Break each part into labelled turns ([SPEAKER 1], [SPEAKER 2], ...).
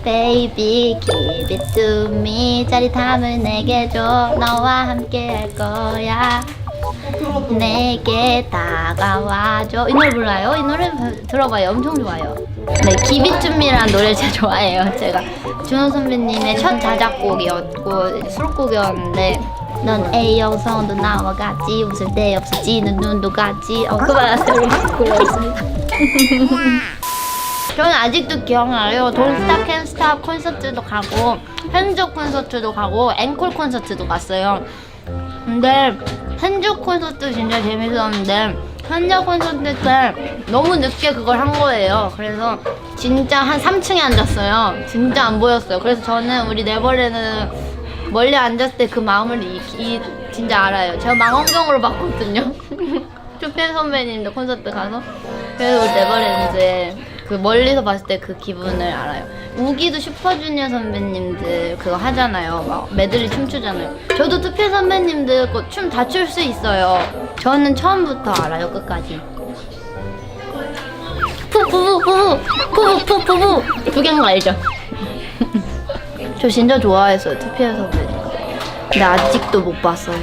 [SPEAKER 1] Baby give it to me 짜릿함을 내게 줘 너와 함께 할 거야 내게 다가와줘 이 노래 몰라요? 이 노래 들어봐요 엄청 좋아요 네 give it to me라는 노래를 제가 좋아해요 제가 준호 선배님의 첫 자작곡이었고 수록곡이었는데 넌 A형성도 나와 같지 웃을 때 없어지는 눈도 같지 그만하세요 고맙습니다 저는 아직도 기억나요 Don't Stop Can't Stop 콘서트도 가고 현주 콘서트도 가고 앵콜 콘서트도 갔어요 근데 현주 콘서트 진짜 재밌었는데 현주 콘서트 때 너무 늦게 그걸 한 거예요 그래서 진짜 한 3층에 앉았어요 진짜 안 보였어요 그래서 저는 우리 네버랜드 멀리 앉았을 때 그 마음을 진짜 알아요. 제가 망원경으로 봤거든요. 투펜 선배님도 콘서트 가서 그래서 우리 네버랜드에 그 멀리서 봤을 때 그 기분을 알아요. 우기도 슈퍼주니어 선배님들 그거 하잖아요. 막 메들리 춤추잖아요. 저도 투펜 선배님들 춤 다 출 수 있어요. 저는 처음부터 알아요 끝까지. 푸푸푸푸푸푸푸푸푸 두개인 거 알죠? 저 진짜 좋아했어요 투피엘 선배님 근데 아직도 못 봤어요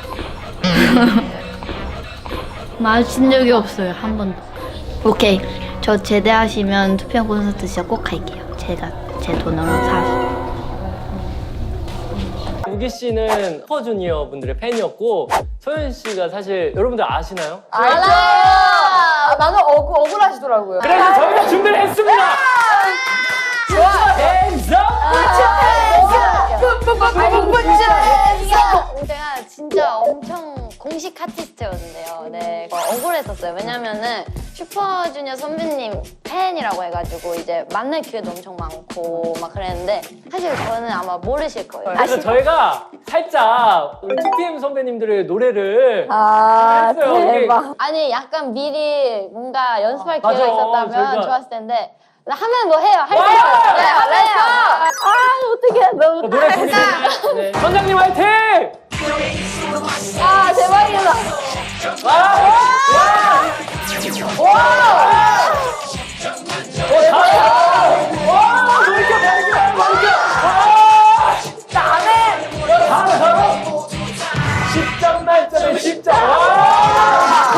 [SPEAKER 1] 마주친 적이 없어요 한 번도 오케이 저 제대하시면 투피엘 콘서트 진짜 꼭 갈게요 제가 제 돈으로 사서
[SPEAKER 2] 우기 씨는 슈퍼주니어 분들의 팬이었고 소연 씨가 사실 여러분들 아시나요?
[SPEAKER 3] 알죠! 나는 억울하시더라고요.
[SPEAKER 2] 그래서 저희가 준비를 했습니다!
[SPEAKER 3] 좋아!
[SPEAKER 2] Hands up!
[SPEAKER 4] 제가 진짜 엄청 공식 아티스트였는데요. 네, 억울했었어요. 왜냐면은 슈퍼주니어 선배님 팬이라고 해가지고 이제 만날 기회도 엄청 많고 막 그랬는데 사실 저는 아마 모르실 거예요.
[SPEAKER 2] 그래서 저희가 살짝 우리 2PM 선배님들의 노래를
[SPEAKER 3] 아,
[SPEAKER 2] 했어요.
[SPEAKER 3] 대박.
[SPEAKER 4] 아니 약간 미리 뭔가 연습할 기회가
[SPEAKER 2] 맞아.
[SPEAKER 4] 있었다면
[SPEAKER 2] 저희가-
[SPEAKER 4] 좋았을 텐데 하면 뭐 해요? 할 수
[SPEAKER 2] 와!
[SPEAKER 4] 있어요. 네,
[SPEAKER 3] 하면서!
[SPEAKER 4] 어떡해 너무
[SPEAKER 2] 노래 부르겠습니다. 네. 선장님 화이팅!
[SPEAKER 3] 아, 대박이다.
[SPEAKER 2] 와! 와! 와! 돌이켜! 다음에! 10점 만점에 10점! 와!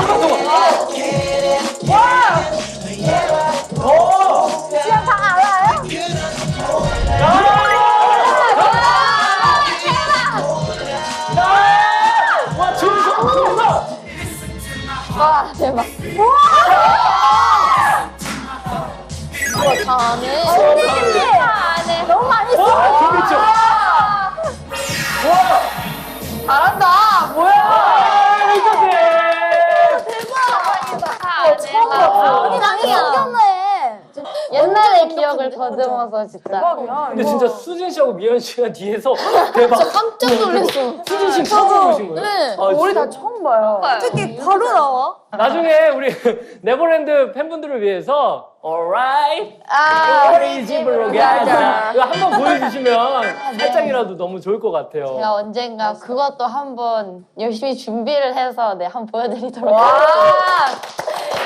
[SPEAKER 3] 진짜 다 알아요?
[SPEAKER 2] 와, 준성!
[SPEAKER 3] 와, 대박.
[SPEAKER 4] 다 아네.
[SPEAKER 3] 선생님들! 너무 많이 써.
[SPEAKER 2] 와, 김미철! 와!
[SPEAKER 3] 잘한다. 뭐야? 처음 봤어.
[SPEAKER 4] 언니 나는
[SPEAKER 3] 웃겼네.
[SPEAKER 4] 옛날의 기억을 더듬어서 진짜.
[SPEAKER 3] 대박이야.
[SPEAKER 2] 근데 진짜 수진 씨하고 미연 씨가 뒤에서 대박.
[SPEAKER 4] 깜짝 놀랐어.
[SPEAKER 2] 수진 씨 처음 보신 거예요?
[SPEAKER 4] 네.
[SPEAKER 2] 아,
[SPEAKER 3] 우리
[SPEAKER 2] 진짜?
[SPEAKER 3] 다 처음 봐요. 어떻게 바로 나와?
[SPEAKER 2] 나중에 우리 네버랜드 팬분들을 위해서 Alright,
[SPEAKER 3] 아,
[SPEAKER 2] 우리 집으로 가자. 이거 한번 보여주시면 살짝이라도 너무 좋을 것 같아요.
[SPEAKER 4] 제가 언젠가 그것도 한번 열심히 준비를 해서 한번 보여드리도록
[SPEAKER 3] 와.
[SPEAKER 4] 하겠습니다.